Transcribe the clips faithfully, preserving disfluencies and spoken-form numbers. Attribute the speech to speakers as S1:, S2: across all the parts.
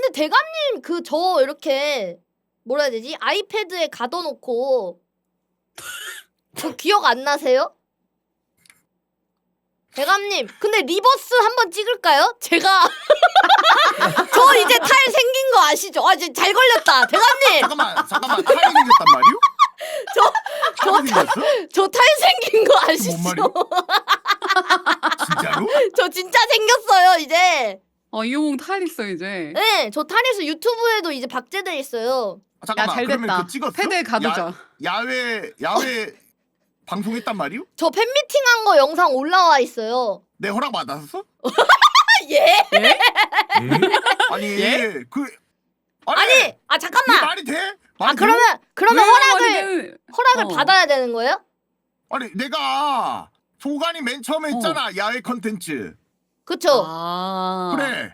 S1: 근데 대감님 그 저 이렇게 뭐라 해야 되지? 아이패드에 가둬놓고 그 기억 안 나세요? 대감님 근데 리버스 한번 찍을까요? 제가 저 이제 탈 생긴 거 아시죠? 아 이제 잘 걸렸다 대감님.
S2: 잠깐만 잠깐만 탈이 생겼단 말이오?
S1: 저 저 저 탈 생긴 거 아시죠?
S2: 진짜로?
S1: 저 진짜 생겼어요 이제.
S3: 어 이호몽 탈 있어 이제.
S1: 네, 저 탈에서 유튜브에도 이제 박제돼 있어요.
S2: 아, 잠깐만
S3: 야, 잘
S2: 그러면
S3: 됐다.
S2: 그 찍었어?
S3: 패드에 가두자.
S2: 야, 야외 야외 방송했단 말이오?
S1: 저 팬미팅한 거 영상 올라와 있어요.
S2: 내 허락 받았어?
S1: 예?
S4: 음?
S2: 아니
S3: 예?
S2: 그 아니,
S1: 아니, 아
S2: 이게
S1: 잠깐만.
S2: 말이 돼?
S1: 아
S2: 말이
S1: 그러면 그러면
S3: 왜
S1: 허락을
S3: 말이냐면-
S1: 허락을
S3: 어.
S1: 받아야 되는 거예요?
S2: 아니 내가 소관이 맨 처음에
S3: 어.
S2: 했잖아 야외 컨텐츠.
S1: 그쵸?
S3: 아.
S2: 그래.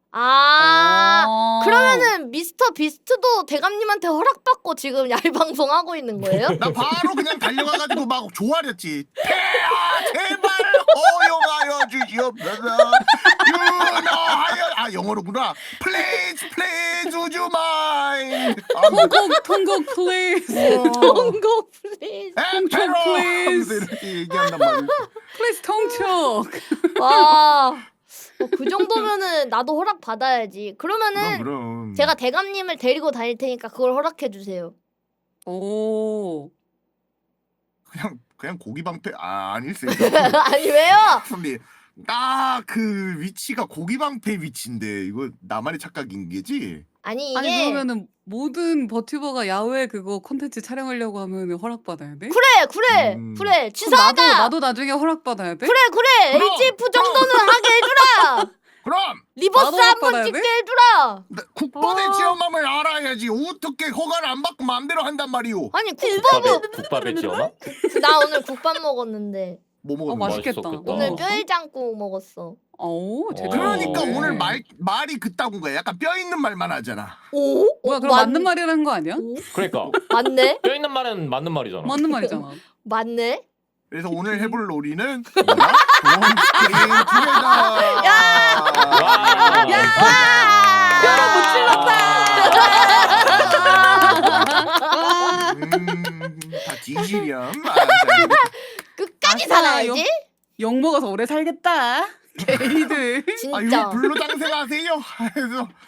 S1: 아,
S3: 어.
S1: 그러면은 미스터 비스트도 대감님한테 허락받고 지금 야외 방송 하고 있는 거예요?
S2: 나 바로 그냥 달려가가지고 막 조아렸지. 태아 제발 허용하여 주시옵소서. 유너하여 아 영어로구나. Please please would you mind. 아,
S3: 통곡 통곡 플리즈.
S2: 어.
S1: 동고 플리즈.
S2: 엠페로
S3: please.
S2: 하면서 이렇게 얘기한단 말이야.
S3: 플리즈 통촉.
S1: 와, 어, 그 정도면은 나도 허락 받아야지.
S2: 그럼
S1: 그러면은
S2: 그럼.
S1: 제가 대감님을 데리고 다닐 테니까 그걸 허락해 주세요.
S3: 오.
S2: 그냥 그냥 고기 방패 아 아닐세.
S1: 아니 왜요?
S2: 선배 나그 위치가 고기 방패 위치인데 이거 나만의 착각인 게지?
S1: 아니 이게
S3: 아니 그러면은 모든 버튜버가 야외 그거 콘텐츠 촬영하려고 하면 허락 받아야 돼?
S1: 그래 그래
S2: 음.
S1: 그래
S3: 그럼 나도
S1: 치사하다.
S3: 나도 나중에 허락 받아야 돼?
S1: 그래 그래
S2: 그럼,
S1: 에이치에프 정도는 하게 해주라.
S2: 그럼
S1: 리버스
S3: 나도
S1: 한번
S3: 받아야
S1: 찍게
S3: 돼?
S1: 해주라.
S2: 나 국밥의
S3: 아.
S2: 지엄함을 알아야지. 어떻게 허가를 안 받고 마음대로 한단 말이오.
S1: 아니 국밥은
S4: 국밥에 국밥에 지어놔?
S1: 나 오늘 국밥 먹었는데
S2: 뭐
S3: 어
S2: 먹었는데?
S3: 맛있겠다.
S4: 맛있었겠다.
S1: 오늘
S3: 어.
S1: 뼈해장국 먹었어.
S3: 오 제대로.
S2: 그러니까
S4: 어.
S2: 오늘 말 말이 그따군 거야. 약간 뼈 있는 말만 하잖아.
S1: 오?
S3: 뭐야
S1: 어,
S3: 그럼
S1: 맞-
S3: 맞는 말이라는 거 아니야?
S1: 오?
S4: 그러니까
S1: 맞네?
S4: 뼈 있는 말은 맞는 말이잖아.
S3: 맞는 말이잖아.
S1: 맞네?
S2: 그래서 오늘 해볼 놀이는 뭐야? 돈 게임 투게더.
S1: 야!
S4: 와.
S1: 야!
S3: 뼈를 못
S2: 음다 진실이야. 아,
S1: 끝까지
S3: 아싸,
S1: 살아야지?
S3: 욕 먹어서 오래 살겠다. 게이들.
S2: 아
S1: 진짜.
S2: 이거 불로장생하세요. 그래서